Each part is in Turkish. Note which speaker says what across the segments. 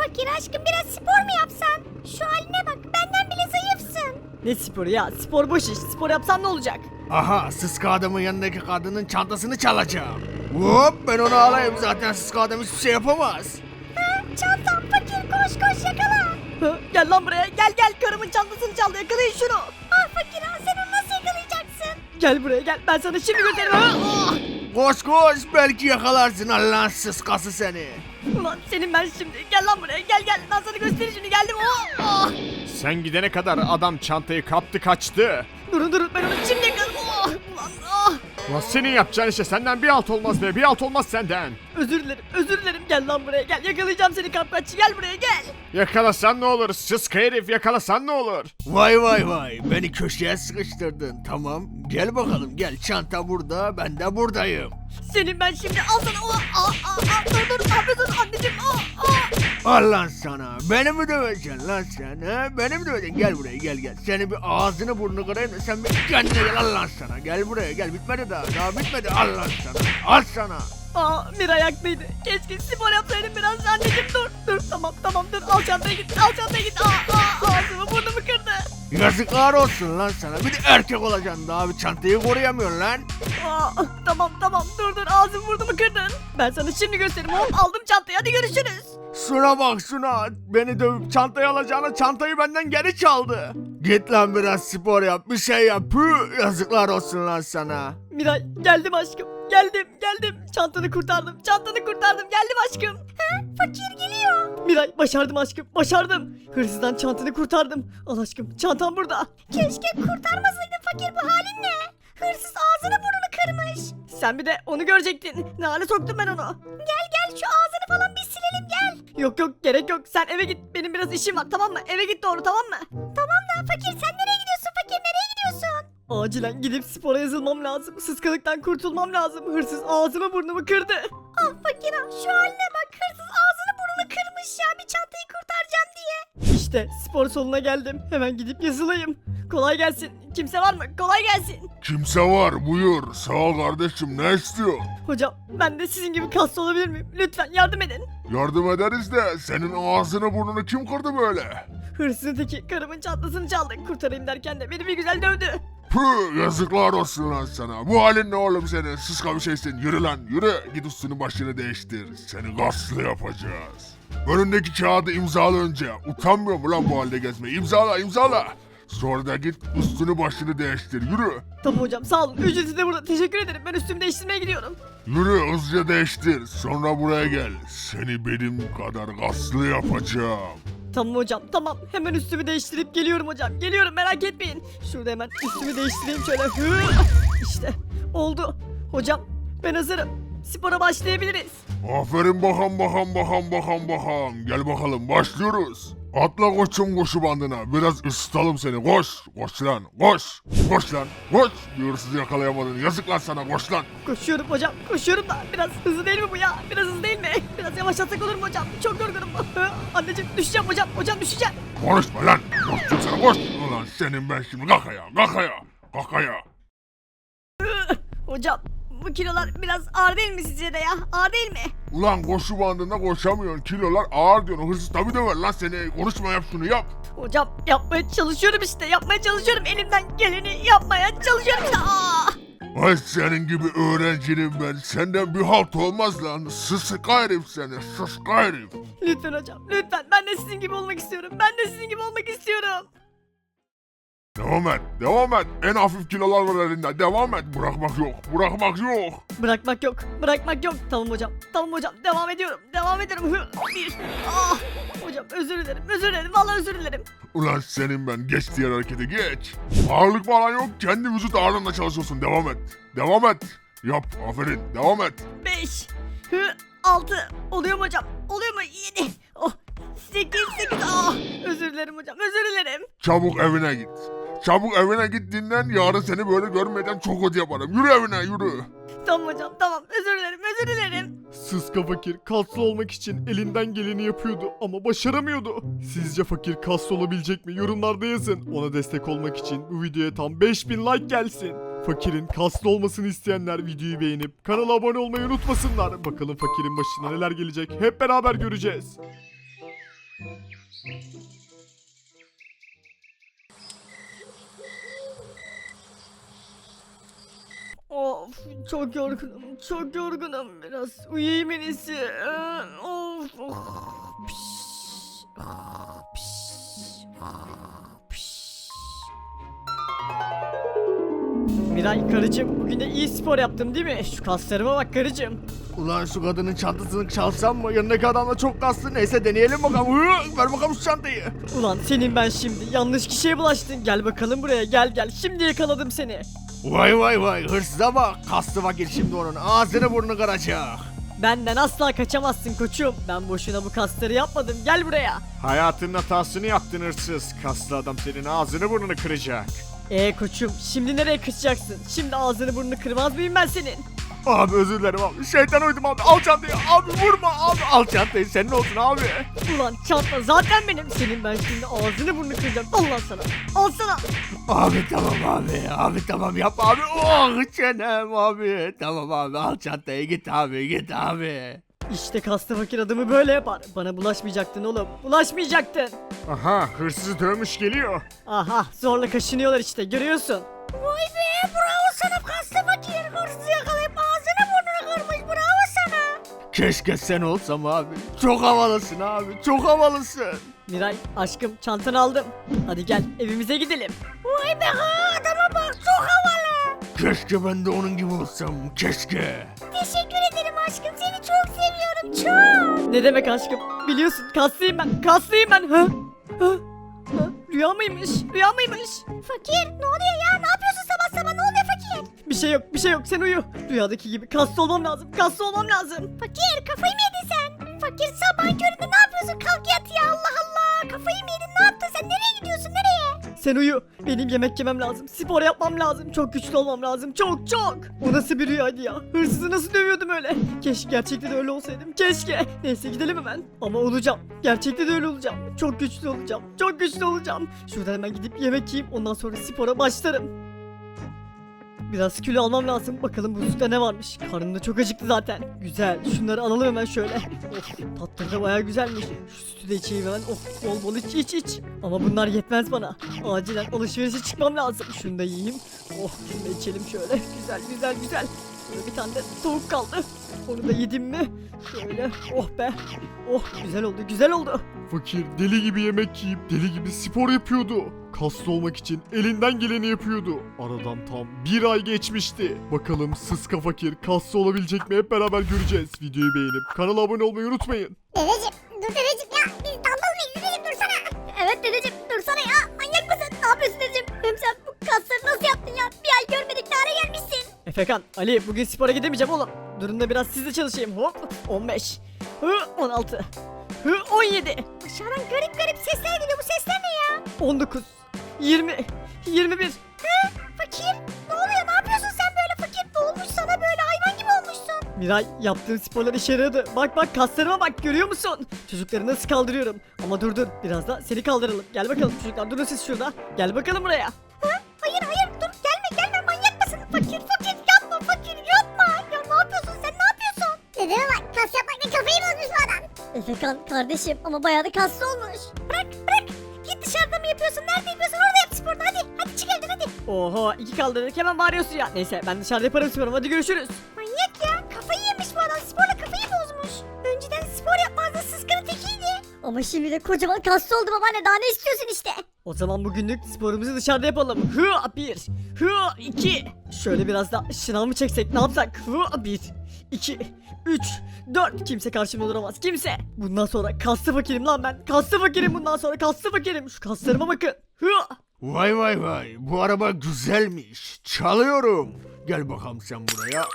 Speaker 1: fakir aşkım biraz spor mu yapsan? Şu haline bak benden bile zayıfsın.
Speaker 2: Ne sporu ya? Spor boş iş. Spor yapsam ne olacak?
Speaker 3: Aha sıska adamın yanındaki kadının çantasını çalacağım. Hop ben onu alayım zaten sıska adam hiçbir şey yapamaz.
Speaker 1: Çantam fakir koş yakala.
Speaker 2: Hı, gel lan buraya. Gel. Karımın çantasını çaldı. Yakalayın şunu.
Speaker 1: Ah fakir sen onu nasıl yakalayacaksın?
Speaker 2: Gel buraya gel. Ben sana şimdi gösteririm. Ha, ah!
Speaker 3: Koş belki yakalarsın Allah'ın sıskası seni.
Speaker 2: Ulan senin ben şimdi. Gel lan buraya. Gel. Ben sana göstereyim şimdi. Geldim. Ah, ah!
Speaker 4: Sen gidene kadar adam çantayı kaptı kaçtı.
Speaker 2: Durun. Ben onu şimdi yakaladım. Ah, ulan ah.
Speaker 4: Ulan senin yapacağın işte senden bir alt olmaz be, bir alt olmaz senden.
Speaker 2: Özür dilerim. Gel lan buraya. Gel. Yakalayacağım seni kapkaççı. Gel buraya gel.
Speaker 4: Yakalasan ne olur, sıska herif yakalasan ne olur.
Speaker 3: Vay beni köşeye sıkıştırdın tamam. Gel bakalım gel çanta burada ben de buradayım.
Speaker 2: Senin ben şimdi al sana. Dur. Ne yapıyorsun anneciğim?
Speaker 3: Allah sana beni mi döveceksin lan sen ha? Beni mi döveceksin gel buraya gel. Senin bir ağzını burnunu kırayım da sen bir kendine gel Allah sana. Gel buraya gel bitmedi daha bitmedi Allah sana. Al sana.
Speaker 2: Miray haklıydı. Keşke spor yapsaydım biraz anneciğim dur. Tamam dur. Al çantaya git. Ağzımı burnumu kırdı.
Speaker 3: Yazıklar olsun lan sana. Bir de erkek olacaksın daha bir çantayı koruyamıyorsun lan.
Speaker 2: Tamam dur ağzımı burnumu kırdın. Ben sana şimdi göstereyim hop aldım çantayı hadi görüşürüz.
Speaker 3: Şuna bak şuna. Beni dövüp çantayı alacağına çantayı benden geri çaldı. Git lan biraz spor yap bir şey yap. Püh, yazıklar olsun lan sana.
Speaker 2: Miray geldim aşkım. Geldim. Çantanı kurtardım. Geldim aşkım.
Speaker 1: Fakir geliyor.
Speaker 2: Miray başardım aşkım. Başardım. Hırsızdan çantanı kurtardım. Al aşkım çantam burada.
Speaker 1: Keşke kurtarmasaydın fakir bu halin ne? Hırsız ağzını burnunu kırmış.
Speaker 2: Sen bir de onu görecektin. Ne hale soktum ben onu.
Speaker 1: Gel şu ağzını falan bir silelim gel.
Speaker 2: Yok gerek yok. Sen eve git. Benim biraz işim var tamam mı? Eve git doğru tamam mı?
Speaker 1: Tamam da fakir sen nereye gidiyorsun fakir nereye gidiyorsun?
Speaker 2: Acilen gidip spora yazılmam lazım. Sıskalıktan kurtulmam lazım. Hırsız ağzımı burnumu kırdı.
Speaker 1: Ah fakir şu haline bak hırsız ağzını burnunu kırmış ya bir çantayı kurtaracağım diye.
Speaker 2: İşte spor salonuna geldim. Hemen gidip yazılayım. Kolay gelsin. Kimse var mı? Kolay gelsin.
Speaker 5: Kimse var buyur. Sağ ol kardeşim ne istiyor?
Speaker 2: Hocam ben de sizin gibi kaslı olabilir miyim? Lütfen yardım edin.
Speaker 5: Yardım ederiz de senin ağzını burnunu kim kırdı böyle?
Speaker 2: Hırsızın teki karımın çantasını çaldı. Kurtarayım derken de beni bir güzel dövdü.
Speaker 5: Püh yazıklar olsun lan sana. Bu halin ne oğlum senin? Sıska bir şeysin. Yürü lan yürü. Git üstünü başını değiştir. Seni gaslı yapacağız. Önündeki kağıdı imzala önce. Utanmıyor mu lan bu halde gezmeyi? İmzala. Sonra da git üstünü başını değiştir. Yürü.
Speaker 2: Tamam hocam sağ olun. Ücreti de burada. Teşekkür ederim. Ben üstümü değiştirmeye gidiyorum.
Speaker 5: Yürü hızlıca değiştir. Sonra buraya gel. Seni benim kadar gaslı yapacağım.
Speaker 2: Tamam hocam tamam. Hemen üstümü değiştirip geliyorum hocam. Geliyorum merak etmeyin. Şurada hemen üstümü değiştireyim şöyle. İşte oldu. Hocam ben hazırım. Spora başlayabiliriz.
Speaker 5: Aferin bakalım. Gel bakalım başlıyoruz. Atla koçum koşu bandına. Biraz ısıtalım seni. Koş lan. Bir hırsızı yakalayamadın. Yazıklar sana koş lan.
Speaker 2: Koşuyorum hocam. Koşuyorum da biraz hızlı değil mi bu ya? Biraz hızlı değil mi? Biraz yavaşlatsak olur mu hocam? Çok yorgunum. Anneciğim düşeceğim hocam. Hocam düşeceğim.
Speaker 5: Konuşma lan. Koştum sana koş. Ulan senin ben şimdi kalk ayağa.
Speaker 2: Hocam bu kilolar biraz ağır değil mi sizce de ya? Ağır değil mi?
Speaker 5: Ulan koşu bandında koşamıyorsun. Kilolar ağır diyorsun. Hırsız tabi döver lan seni. Konuşma yap şunu yap.
Speaker 2: Hocam yapmaya çalışıyorum işte. Elimden geleni yapmaya çalışıyorum işte.
Speaker 5: Ay senin gibi öğrencinin ben. Senden bir halt olmaz lan. Sıska herif seni. Sıska herif.
Speaker 2: Lütfen hocam lütfen. Ben de sizin gibi olmak istiyorum.
Speaker 5: Devam et. En hafif kilolar var elinde. Devam et. Bırakmak yok.
Speaker 2: Bırakmak yok. Tamam hocam. Devam ediyorum. Hocam özür dilerim. Vallahi özür dilerim.
Speaker 5: Ulan senin ben. Geç diğer harekete geç. Ağırlık falan yok. Kendi vücut ağırlığında çalışıyorsun. Devam et. Yap. Aferin. Devam et.
Speaker 2: 5 6 oluyor mu hocam? 7 8 özür dilerim hocam.
Speaker 5: Çabuk evine git dinlen. Yarın seni böyle görmeden çok kötü yaparım. Yürü evine yürü.
Speaker 2: Tamam hocam tamam özür dilerim.
Speaker 4: Sıska fakir kaslı olmak için elinden geleni yapıyordu ama başaramıyordu. Sizce fakir kaslı olabilecek mi? Yorumlarda yazın. Ona destek olmak için bu videoya tam 5000 like gelsin. Fakirin kaslı olmasını isteyenler videoyu beğenip kanala abone olmayı unutmasınlar. Bakalım fakirin başına neler gelecek hep beraber göreceğiz.
Speaker 2: Of, çok yorgunum, çok yorgunum. Biraz uyuyayım en iyisi. Of, of. Piş, piş, piş. Miray karıcığım, bugün de iyi spor yaptım değil mi? Şu kaslarıma bak karıcığım.
Speaker 3: Ulan şu kadının çantasını çalsam mı? Yanındaki adam da çok kaslı. Neyse deneyelim bakalım. Ver bakalım şu çantayı.
Speaker 2: Ulan senin ben şimdi yanlış kişiye bulaştın. Gel bakalım buraya, gel gel. Şimdi yakaladım seni.
Speaker 3: Vay vay vay, hırsıza bak. Kaslı fakir şimdi onun ağzını burnunu kıracak.
Speaker 2: Benden asla kaçamazsın koçum. Ben boşuna bu kasları yapmadım. Gel buraya.
Speaker 4: Hayatının hatasını yaptın hırsız. Kaslı adam senin ağzını burnunu kıracak.
Speaker 2: Koçum, şimdi nereye kaçacaksın? Şimdi ağzını burnunu kırmaz mıyım ben senin?
Speaker 3: Abi özür dilerim abi. Şeytan uydum abi. Al çantayı. Abi vurma abi. Al çantayı. Senin olsun abi.
Speaker 2: Ulan çanta zaten benim. Senin ben şimdi ağzını burnunu kıracağım. Allah sana. Al sana.
Speaker 3: Abi tamam abi. Abi tamam yap abi. Oh çenem abi. Tamam abi. Al çantayı. Git abi. Git abi.
Speaker 2: İşte kaslı fakir adamı böyle yapar. Bana bulaşmayacaktın oğlum. Bulaşmayacaktın.
Speaker 4: Aha hırsızı dövmüş geliyor.
Speaker 2: Aha, zorla kaşınıyorlar işte, görüyorsun.
Speaker 1: Vay be, bravo sana kaslı fakir. Hırsızı yakalayıp ağzını burnunu kırmış, bravo sana.
Speaker 3: Keşke sen olsam abi. Çok havalısın abi. Çok havalısın.
Speaker 2: Miray, aşkım, çantanı aldım. Hadi gel, evimize gidelim.
Speaker 1: Vay be ha, adama bak, çok havalı.
Speaker 3: Keşke ben de onun gibi olsam. Keşke.
Speaker 1: Teşekkür ederim aşkım, seni çok seviyorum, çok.
Speaker 2: Ne demek aşkım? Biliyorsun, kaslıyım ben. Kaslıyım ben. Ha? Ha? Ha? Rüya mıymış? Rüya mıymış?
Speaker 1: Fakir, ne oluyor ya, ne yapıyorsun sabah sabah, ne oluyor fakir?
Speaker 2: Bir şey yok, bir şey yok. Sen uyu. Rüyadaki gibi kaslı olmam lazım. Kaslı olmam lazım.
Speaker 1: Fakir, kafayı mı yedin sen? Fakir, sabah köründe ne yapıyorsun, kalk yat ya, Allah Allah. Kafayı mı yedin, ne yaptın sen, nereye gidiyorsun, nereye?
Speaker 2: Sen uyu. Benim yemek yemem lazım. Spor yapmam lazım. Çok güçlü olmam lazım. Çok çok. O nasıl bir rüyaydı ya? Hırsızı nasıl dövüyordum öyle? Keşke gerçekten de öyle olsaydım. Keşke. Neyse gidelim hemen. Ama olacağım. Gerçekten de öyle olacağım. Çok güçlü olacağım. Çok güçlü olacağım. Şuradan hemen gidip yemek yiyeyim. Ondan sonra spora başlarım. Biraz kilo almam lazım. Bakalım buzlukta ne varmış. Karnım da çok acıktı zaten. Güzel. Şunları alalım hemen şöyle. Of, tatları da bayağı güzelmiş. Şu sütü de içeyim hemen. Of, bol bol iç iç iç. Ama bunlar yetmez bana. Acilen alışverişe çıkmam lazım. Şunu da yiyeyim. Oh, şunu da içelim şöyle. Güzel güzel güzel. Şöyle bir tane de tavuk kaldı. Onu da yedim mi? Şöyle. Oh be. Oh, güzel oldu güzel oldu.
Speaker 4: Fakir deli gibi yemek yiyip deli gibi spor yapıyordu. Kaslı olmak için elinden geleni yapıyordu. Aradan tam bir ay geçmişti. Bakalım Sıska Fakir kaslı olabilecek mi hep beraber göreceğiz. Videoyu beğenip kanala abone olmayı unutmayın.
Speaker 1: Dedeciğim, dur dedeciğim ya, biz daldalı mıyız dedeciğim, dursana. Evet dedeciğim, dursana ya, manyak mısın, ne yapıyorsun dedeciğim? Hem sen bu kasları nasıl yaptın ya, bir ay görmedik ne hale gelmişsin.
Speaker 2: Efekan, Ali bugün spora gidemeyeceğim oğlum. Durun da biraz sizle çalışayım. Hop 15. 16. 17.
Speaker 1: Dışarıdan garip garip sesler geliyor, bu sesler ne ya?
Speaker 2: 19. 20. 21.
Speaker 1: Fakir, ne oluyor, ne yapıyorsun sen böyle fakir? Ne olmuş sana böyle, hayvan gibi olmuşsun.
Speaker 2: Miray, yaptığın sporlar işe yaradı. Bak bak, kaslarıma bak, görüyor musun? Çocukları nasıl kaldırıyorum. Ama dur dur, biraz da seni kaldıralım. Gel bakalım çocuklar, durun siz şurada. Gel bakalım buraya.
Speaker 1: Hayır hayır, dur, gelme manyak mısın? Fakir yapma fakir, yapma. Ya ne yapıyorsun sen, ne yapıyorsun? Dedeme bak, kas yapmakla kafayı bozmuş bu adam.
Speaker 2: Efekan kardeşim, ama bayağı da kaslı olmuş.
Speaker 1: Bırak. Git dışarıda mı yapıyorsun, nerede yapıyorsun, orada yap sporunu, hadi çık evden hadi.
Speaker 2: Oho, iki kaldırdık hemen bağırıyorsun ya. Neyse, ben dışarıda yaparım sporumu, hadi görüşürüz.
Speaker 1: Manyak ya, kafayı yemiş bu adam, sporla kafayı bozmuş. Önceden spor yapmazdı, sıskının tekiydi.
Speaker 2: Ama şimdi de kocaman kaslı oldu babaanne, daha ne istiyorsun işte. O zaman bugünlük sporumuzu dışarıda yapalım. Hı 1, hı 2. Şöyle biraz da şınav mı çeksek, ne yapsak? Hı 1, 2, 3, 4. Kimse karşımda duramaz, kimse. Bundan sonra kaslı fakirim lan ben. Kaslı fakirim bundan sonra, kaslı fakirim. Şu kaslarıma bakın. Hı.
Speaker 3: Vay vay vay. Bu araba güzelmiş. Çalıyorum. Gel bakalım sen buraya.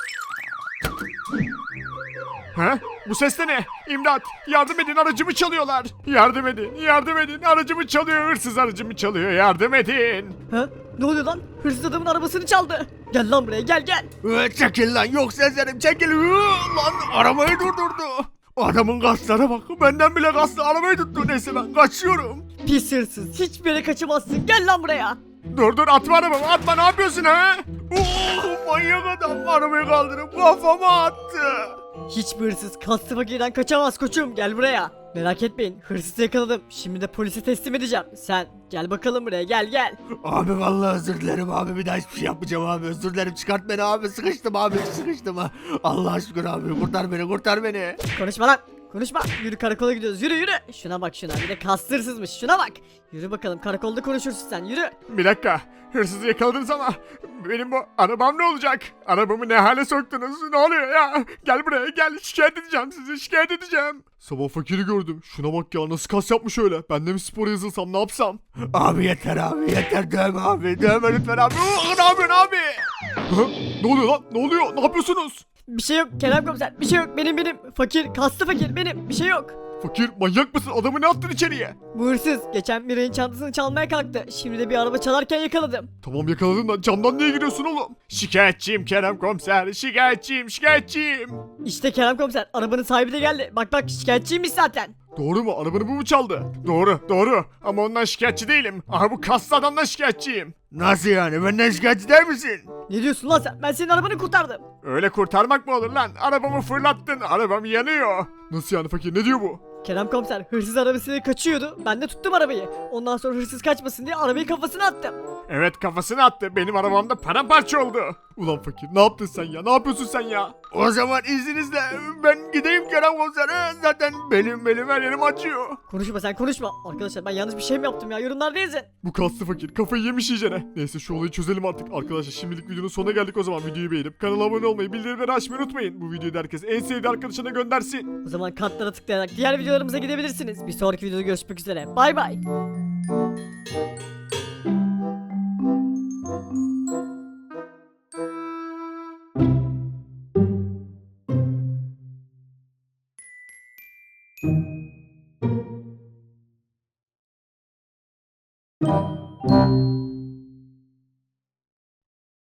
Speaker 4: He? Bu ses de ne? İmdat! Yardım edin, aracımı çalıyorlar. Yardım edin, aracımı çalıyor. Hırsız aracımı çalıyor, yardım edin.
Speaker 2: Ha? Ne oluyor lan? Hırsız adamın arabasını çaldı. Gel lan buraya, gel gel.
Speaker 3: Çekil lan, yok sezerim çekil. Lan arabayı durdurdu. Adamın kaslara bak. Benden bile kaslı, arabayı tuttu. Neyse ben kaçıyorum.
Speaker 2: Pis hırsız, hiçbir yere kaçamazsın. Gel lan buraya.
Speaker 4: Dur atma arabamı, atma, ne yapıyorsun ha?
Speaker 3: Manyak adam arabayı kaldırıp kafama attı.
Speaker 2: Hiçbir hırsız kaslı fakirden kaçamaz koçum, gel buraya. Merak etmeyin, hırsızı yakaladım. Şimdi de polise teslim edeceğim. Sen gel bakalım buraya, gel.
Speaker 3: Abi vallahi özür dilerim abi, bir daha hiçbir şey yapmayacağım abi, özür dilerim, çıkart beni abi, sıkıştım abi, sıkıştım ha. Allah şükür abi, kurtar beni.
Speaker 2: Konuşma lan. Konuşma. Yürü, karakola gidiyoruz. Yürü. Şuna bak şuna. Bir de kaslı hırsızmış. Şuna bak. Yürü bakalım, karakolda konuşursun sen. Yürü.
Speaker 4: Bir dakika. Hırsızı yakaladınız ama benim bu arabam ne olacak? Arabamı ne hale soktunuz? Ne oluyor ya? Gel buraya gel, şikayet edeceğim sizi, şikayet edeceğim. Sabah fakiri gördüm. Şuna bak ya, nasıl kas yapmış öyle. Ben de mi spora yazılsam, ne yapsam?
Speaker 3: Abi yeter abi, yeter, dövme abi, dövme lütfen abi. Ne yapıyorsun abi?
Speaker 4: Ha? Ne oluyor lan? Ne oluyor? Ne yapıyorsunuz?
Speaker 2: Bir şey yok Kerem komiser. Bir şey yok. Benim. Fakir. Kaslı fakir benim. Bir şey yok.
Speaker 4: Fakir, manyak mısın? Adamı ne attın içeriye?
Speaker 2: Bu hırsız geçen Miray'ın çantasını çalmaya kalktı. Şimdi de bir araba çalarken yakaladım.
Speaker 4: Tamam yakaladın da camdan niye giriyorsun oğlum? Şikayetçiyim Kerem komiser. Şikayetçiyim.
Speaker 2: İşte Kerem komiser. Arabanın sahibi de geldi. Bak şikayetçiymiş zaten.
Speaker 4: Doğru mu? Arabanı bu mu çaldı? Doğru. Ama ondan şikayetçi değilim. Aha bu kaslı adamdan şikayetçiyim.
Speaker 3: Nasıl yani, benden şikayetçi değil misin?
Speaker 2: Ne diyorsun lan sen? Ben senin arabanı kurtardım.
Speaker 4: Öyle kurtarmak mı olur lan? Arabamı fırlattın. Arabam yanıyor. Nasıl yani fakir? Ne diyor bu?
Speaker 2: Kerem komiser, hırsız arabasıyla kaçıyordu. Ben de tuttum arabayı. Ondan sonra hırsız kaçmasın diye arabayı kafasına attım.
Speaker 4: Evet, kafasını attı. Benim arabamda paramparça oldu. Ulan fakir, ne yaptın sen ya? Ne yapıyorsun sen ya?
Speaker 3: O zaman izninizle ben gideyim Kerem komisere, zaten belim her yerim acıyor.
Speaker 2: Konuşma sen, konuşma. Arkadaşlar, ben yanlış bir şey mi yaptım ya? Yorumlarda yazın.
Speaker 4: Bu kaslı fakir kafayı yemiş iyicene. Neyse, şu olayı çözelim artık. Arkadaşlar, şimdilik videonun sonuna geldik o zaman. Videoyu beğenip kanala abone olmayı, bildirimleri açmayı unutmayın. Bu videoyu da herkes en sevdiği arkadaşına göndersin.
Speaker 2: O zaman kartlara tıklayarak diğer videolarımıza gidebilirsiniz. Bir sonraki videoda görüşmek üzere. Bay bay.
Speaker 1: Thank you.